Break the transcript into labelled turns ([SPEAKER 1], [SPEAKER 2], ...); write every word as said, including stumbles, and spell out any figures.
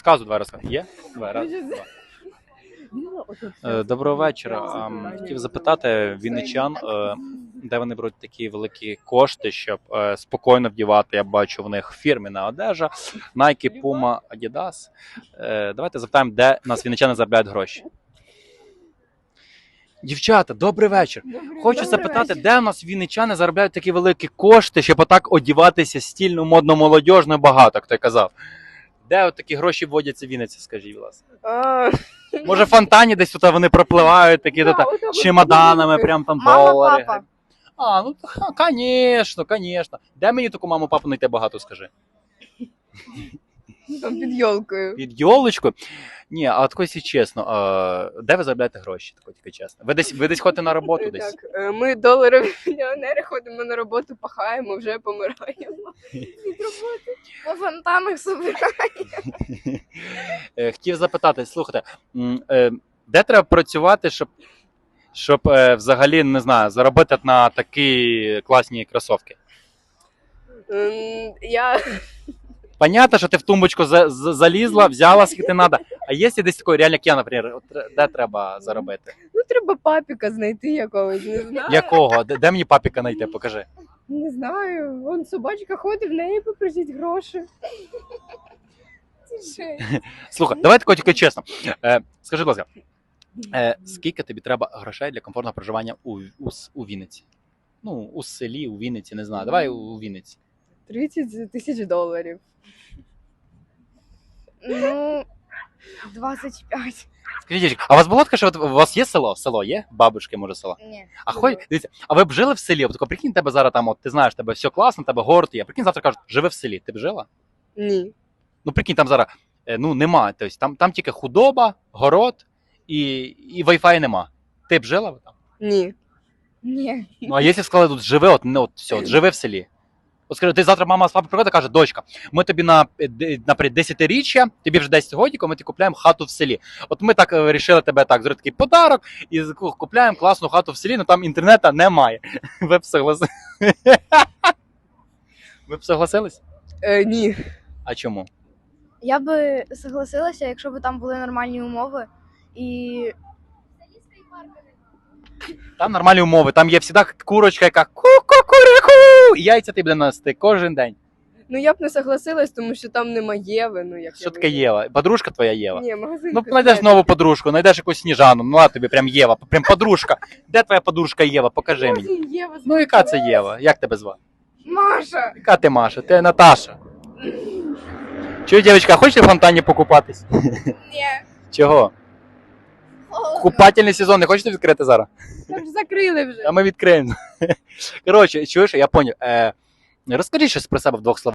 [SPEAKER 1] Сказу два рази. Є? Два рази. Два. Е, Доброго вечора. Ем, Хотів запитати вінничан, е, де вони беруть такі великі кошти, щоб е, спокійно вдівати, я бачу в них фірміна одежа, Nike, Puma, Adidas. Е, Давайте запитаємо, де нас вінничани заробляють гроші. Дівчата, добрий вечір. Хочу запитати, де у нас вінничани заробляють такі великі кошти, щоб отак одіватися стільно, модно, молодіжно, багато, як ти казав. Де от такі гроші вводяться в Вінниці, скажіть, будь ласка?
[SPEAKER 2] А,
[SPEAKER 1] Може, в фонтані десь тут вони пропливають, такі
[SPEAKER 2] Да,
[SPEAKER 1] тут
[SPEAKER 2] от так
[SPEAKER 1] чемоданами,
[SPEAKER 2] от.
[SPEAKER 1] прям там
[SPEAKER 3] Мама,
[SPEAKER 1] долари.
[SPEAKER 3] папа.
[SPEAKER 1] А, ну, звісно, звісно. Де мені таку маму, папу знайти багато, скажи?
[SPEAKER 2] там під йолкою.
[SPEAKER 1] Під йолочкою? Ні, а от якщо чесно, а, де ви заробляєте гроші, тако тільки чесно? Ви десь, ви десь ходите на роботу десь?
[SPEAKER 2] Так, е, ми доларові мільйонери, ходимо на роботу, пахаємо, вже помираємо. Від роботи.
[SPEAKER 3] По фонтанах собираємо.
[SPEAKER 1] Е, Хотів запитати, слухайте, м, е, де треба працювати, щоб, щоб е, взагалі, не знаю, заробити на такі класні кросовки?
[SPEAKER 2] Ем, Я
[SPEAKER 1] Понятно, що ти в тумбочку за, за, залізла, взяла, скільки треба. А є десь такий, реально, як я, наприклад, от, тр- де треба заробити?
[SPEAKER 2] ну треба папіка знайти якогось, не знаю.
[SPEAKER 1] Якого? Де, де мені папіка знайти? Покажи.
[SPEAKER 2] Не знаю. Вон собачка ходить, в неї попросить гроші. Це жесть.
[SPEAKER 1] Слухай, давай тако тільки чесно. Е, скажи, будь ласка, е, скільки тобі треба грошей для комфортного проживання у, у, с- у Вінниці? Ну, у селі, у Вінниці, не знаю. Давай у, у Вінниці.
[SPEAKER 2] тридцять тисяч доларів.
[SPEAKER 3] Ну, двадцять п'ять.
[SPEAKER 1] Скажіть, дівчатка, а у вас було таке, що от у вас є село? Село є? Бабушки, може, село?
[SPEAKER 3] Ні.
[SPEAKER 1] А хоч, дивіться, а ви б жили в селі? От тако, прикинь, тебе зараз там, от, ти знаєш, тебе все класно, тебе город є. Прикинь, завтра кажуть, живи в селі. Ти б жила?
[SPEAKER 2] Ні.
[SPEAKER 1] Ну, прикинь, там зараз, е, ну, нема. Тобто, там, там тільки худоба, город і, і Wi-Fi нема. Ти б жила там?
[SPEAKER 2] Ні.
[SPEAKER 3] Ні.
[SPEAKER 1] Ну, а якщо сказали, тут живи, от, ну, от все, от, живи в селі. От скажи, ти завтра мама з папою приходить і каже, дочка, ми тобі на, е, де- наприклад, десятиріччя, тобі вже десять годиків, ми тобі купляємо хату в селі. От ми так е, вирішили тебе так, зробити такий подарок, і з- купляємо класну хату в селі, але там інтернету немає. Ви б согласились? Ви б согласились?
[SPEAKER 2] Е, ні.
[SPEAKER 1] А чому?
[SPEAKER 3] Я би согласилася, якщо б там були нормальні умови. І
[SPEAKER 1] Там нормальні умови, там є завжди курочка, яка ку-ку-ку-ку, і яйця ти буде нести кожен день.
[SPEAKER 2] Ну я б не согласилась, тому що там нема Єви. Ну, як
[SPEAKER 1] Що
[SPEAKER 2] я
[SPEAKER 1] таке
[SPEAKER 2] вижу.
[SPEAKER 1] Єва? Подружка твоя Єва?
[SPEAKER 2] Ні, магазин.
[SPEAKER 1] Ну, знайдеш нову подружку, знайдеш якусь Сніжану, ну а тобі прям Єва, прям подружка. Де твоя подружка Єва? Покажи мені.
[SPEAKER 2] Єва.
[SPEAKER 1] Ну, яка це Єва? Як тебе звати?
[SPEAKER 2] Маша.
[SPEAKER 1] Яка ти Маша? Ти Наташа. Чуєш, дівчинка, хочеш в фонтані покупатись?
[SPEAKER 3] ні.
[SPEAKER 1] Чого? Купательний сезон не хочете відкрити зараз?
[SPEAKER 2] Там ж закрили вже.
[SPEAKER 1] А ми відкриємо. Коротше, чуєш, я поняв. Е, розкажи щось про себе в двох словах.